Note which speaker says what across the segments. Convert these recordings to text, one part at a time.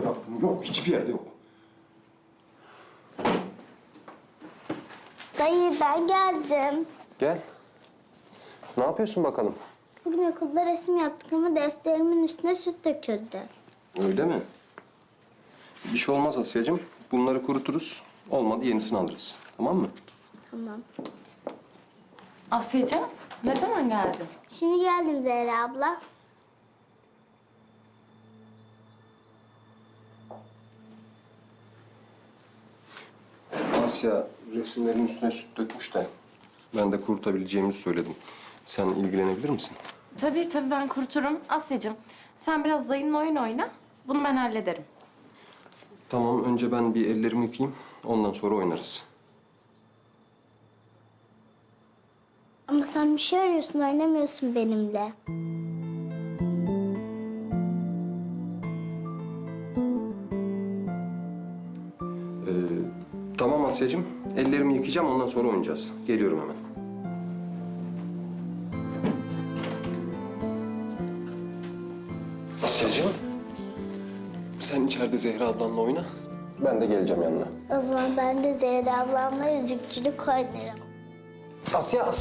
Speaker 1: bıraktım. Yok, hiçbir yerde yok.
Speaker 2: Dayı ben geldim.
Speaker 1: Gel. Ne yapıyorsun bakalım?
Speaker 2: Bugün okulda resim yaptık ama defterimin üstüne süt döküldü.
Speaker 1: Öyle mi? Bir şey olmaz Asya'cığım. Bunları kuruturuz. Olmadı yenisini alırız. Tamam mı?
Speaker 2: Tamam.
Speaker 3: Asya'cığım, ne zaman geldin?
Speaker 2: Şimdi geldim Zehra abla.
Speaker 1: Asya resimlerin üstüne süt dökmüş de ben de kurutabileceğimizi söyledim. Sen ilgilenebilir misin?
Speaker 3: Tabii ben kuruturum. Asya'cığım, sen biraz dayınla oyun oyna. Bunu ben hallederim.
Speaker 1: Tamam, önce ben bir ellerimi yıkayayım. Ondan sonra oynarız.
Speaker 2: Ama sen bir şey arıyorsun, oynamıyorsun benimle.
Speaker 1: Tamam Asya'cığım. Ellerimi yıkayacağım. Ondan sonra oynayacağız. Geliyorum hemen. Asya'cığım. Sen içeride Zehra ablanla oyna. Ben de geleceğim yanına.
Speaker 2: O zaman ben de Zehra ablamla yüzükçülük oynarım.
Speaker 1: Asya.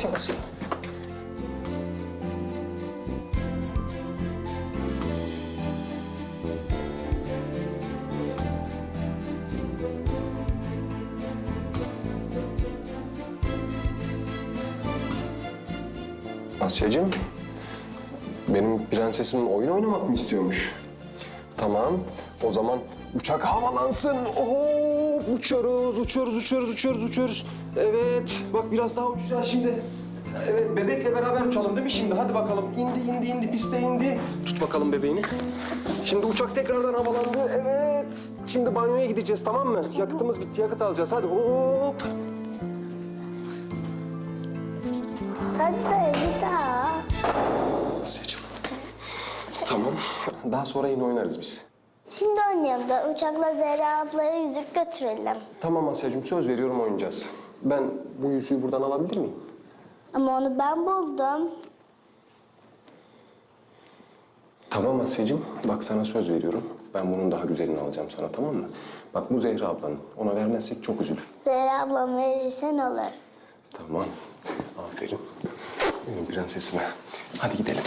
Speaker 1: Asya'cığım, benim prensesim oyun oynamak mı istiyormuş? Tamam, o zaman uçak havalansın. Oo, uçuyoruz. Evet, bak biraz daha uçacağız şimdi. Evet, bebekle beraber uçalım değil mi şimdi? Hadi bakalım, indi, piste indi. Tut bakalım bebeğini. Şimdi uçak tekrardan havalandı, evet. Şimdi banyoya gideceğiz, tamam mı? Yakıtımız bitti, yakıt alacağız. Hadi hop.
Speaker 2: Hadi dayı bir daha.
Speaker 1: Asya'cığım, tamam. Daha sonra yine oynarız biz.
Speaker 2: Şimdi oynayalım da uçakla Zehra ablaya yüzük götürelim.
Speaker 1: Tamam Asya'cığım, söz veriyorum oynayacağız. Ben bu yüzüğü buradan alabilir miyim?
Speaker 2: Ama onu ben buldum.
Speaker 1: Tamam Asya'cığım, bak sana söz veriyorum. Ben bunun daha güzelini alacağım sana, tamam mı? Bak bu Zehra ablanın. Ona vermezsek çok üzülür.
Speaker 2: Zehra ablam verirsen olur.
Speaker 1: Tamam, aferin. Benim prensesime. Hadi gidelim.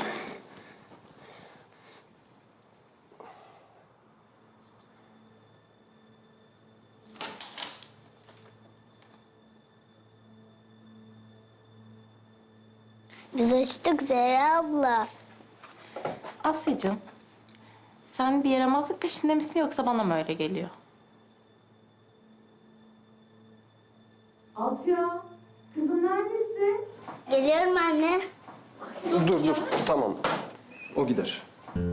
Speaker 2: Biz açtık Zehra abla.
Speaker 3: Asya'cığım, sen bir yaramazlık peşinde misin yoksa bana mı öyle geliyor?
Speaker 4: Asya, kızım neredesin?
Speaker 2: Geliyorum anne.
Speaker 1: Dur, tamam. O gider.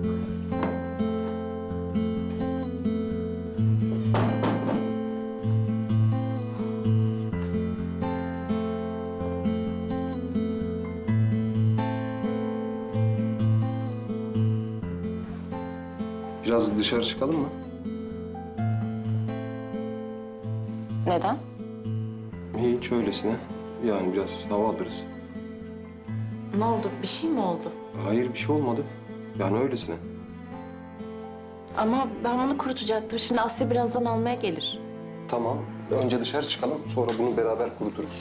Speaker 1: Biraz dışarı çıkalım mı?
Speaker 3: Neden?
Speaker 1: Hiç öylesine. Yani biraz hava alırız.
Speaker 3: Ne oldu? Bir şey mi oldu?
Speaker 1: Hayır, bir şey olmadı. Yani öylesine.
Speaker 3: Ama ben onu kurutacaktım. Şimdi Asya birazdan almaya gelir.
Speaker 1: Tamam. Önce dışarı çıkalım. Sonra bunu beraber kuruturuz.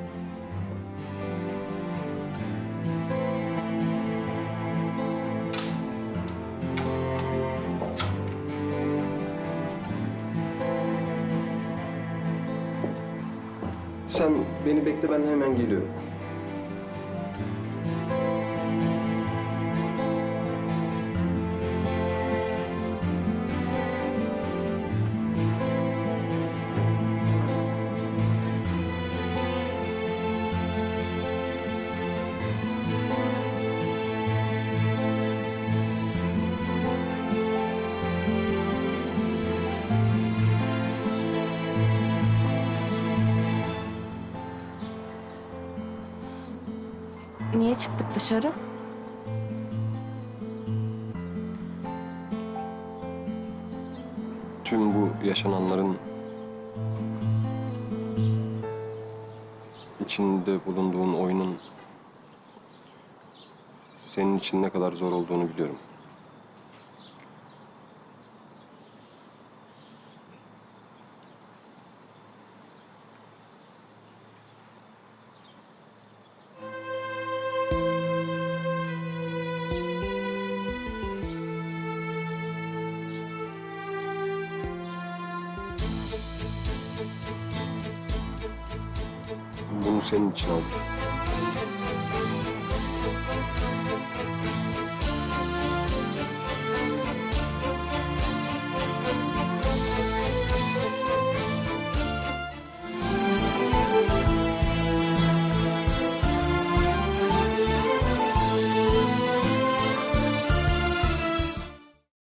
Speaker 1: Sen beni bekle, ben hemen geliyorum.
Speaker 3: Niye çıktık dışarı?
Speaker 1: Tüm bu yaşananların içinde bulunduğun oyunun senin için ne kadar zor olduğunu biliyorum. Bunu senin için aldım.